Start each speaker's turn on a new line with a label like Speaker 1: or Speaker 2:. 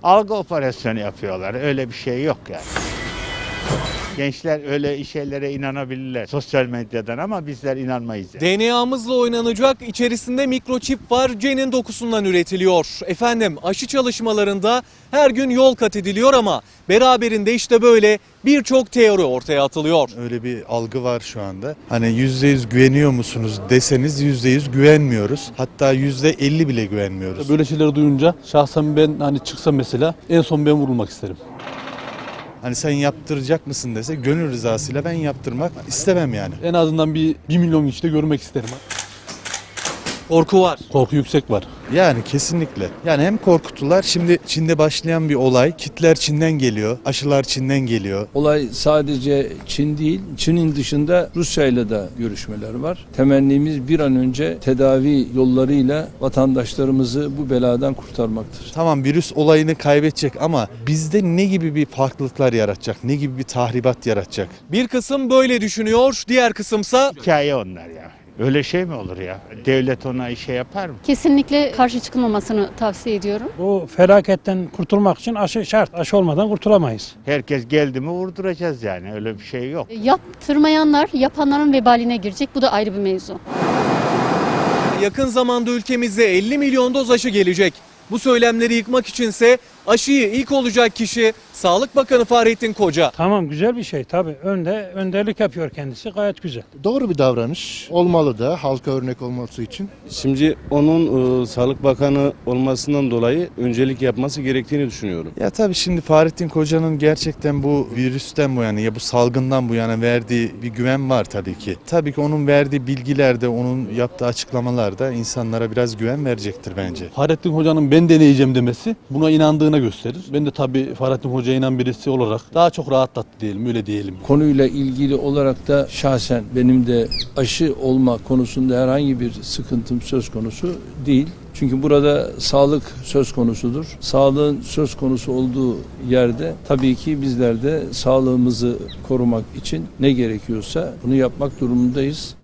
Speaker 1: Algı operasyonu yapıyorlar. Öyle bir şey yok yani. Gençler öyle şeylere inanabilirler sosyal medyadan ama bizler inanmayız. Yani.
Speaker 2: DNA'mızla oynanacak, içerisinde mikroçip var, cenin dokusundan üretiliyor. Efendim, aşı çalışmalarında her gün yol kat ediliyor ama beraberinde işte böyle birçok teori ortaya atılıyor.
Speaker 3: Öyle bir algı var şu anda. Hani %100 güveniyor musunuz deseniz %100 güvenmiyoruz. Hatta %50 bile güvenmiyoruz.
Speaker 4: Böyle şeyleri duyunca şahsen ben hani çıksam mesela en son ben vurulmak isterim.
Speaker 3: Hani sen yaptıracak mısın dese gönül rızasıyla ben yaptırmak istemem yani.
Speaker 4: En azından bir 1 milyon kişi de görmek isterim.
Speaker 2: Korku var.
Speaker 4: Korku yüksek var.
Speaker 3: Yani kesinlikle. Yani hem korkutular, şimdi Çin'de başlayan bir olay. Kitler Çin'den geliyor, aşılar Çin'den geliyor.
Speaker 5: Olay sadece Çin değil, Çin'in dışında Rusya'yla da görüşmeler var. Temennimiz bir an önce tedavi yollarıyla vatandaşlarımızı bu beladan kurtarmaktır.
Speaker 3: Tamam, virüs olayını kaybedecek ama bizde ne gibi bir farklılıklar yaratacak, ne gibi bir tahribat yaratacak?
Speaker 2: Bir kısım böyle düşünüyor, diğer kısımsa
Speaker 1: Hikaye onlar ya. Öyle şey mi olur ya? Devlet ona işe yapar mı?
Speaker 6: Kesinlikle karşı çıkılmamasını tavsiye ediyorum.
Speaker 7: Bu felaketten kurtulmak için aşı şart. Aşı olmadan kurtulamayız.
Speaker 1: Herkes geldi mi vurduracağız yani. Öyle bir şey yok.
Speaker 6: Yaptırmayanlar yapanların vebaline girecek. Bu da ayrı bir mevzu.
Speaker 2: yakın zamanda ülkemize 50 milyon doz aşı gelecek. Bu söylemleri yıkmak içinse aşıyı ilk olacak kişi Sağlık Bakanı Fahrettin Koca.
Speaker 7: Tamam, güzel bir şey tabii. Önderlik yapıyor kendisi, gayet güzel.
Speaker 8: Doğru bir davranış. Olmalı da halka örnek olması için.
Speaker 9: Şimdi onun Sağlık Bakanı olmasından dolayı öncelik yapması gerektiğini düşünüyorum.
Speaker 3: Ya tabii şimdi Fahrettin Koca'nın gerçekten bu virüsten bu yana ya bu salgından bu yana verdiği bir güven var tabii ki. Tabii ki onun verdiği bilgilerde, onun yaptığı açıklamalarda insanlara biraz güven verecektir bence.
Speaker 4: Fahrettin Hoca'nın ben deneyeceğim demesi buna inandığına gösterir. Ben de tabii Fahrettin Hoca'ya inan birisi olarak daha çok rahatlattı diyelim, öyle diyelim.
Speaker 5: Konuyla ilgili olarak da şahsen benim de aşı olma konusunda herhangi bir sıkıntım söz konusu değil. Çünkü burada sağlık söz konusudur. Sağlığın söz konusu olduğu yerde tabii ki bizler de sağlığımızı korumak için ne gerekiyorsa bunu yapmak durumundayız.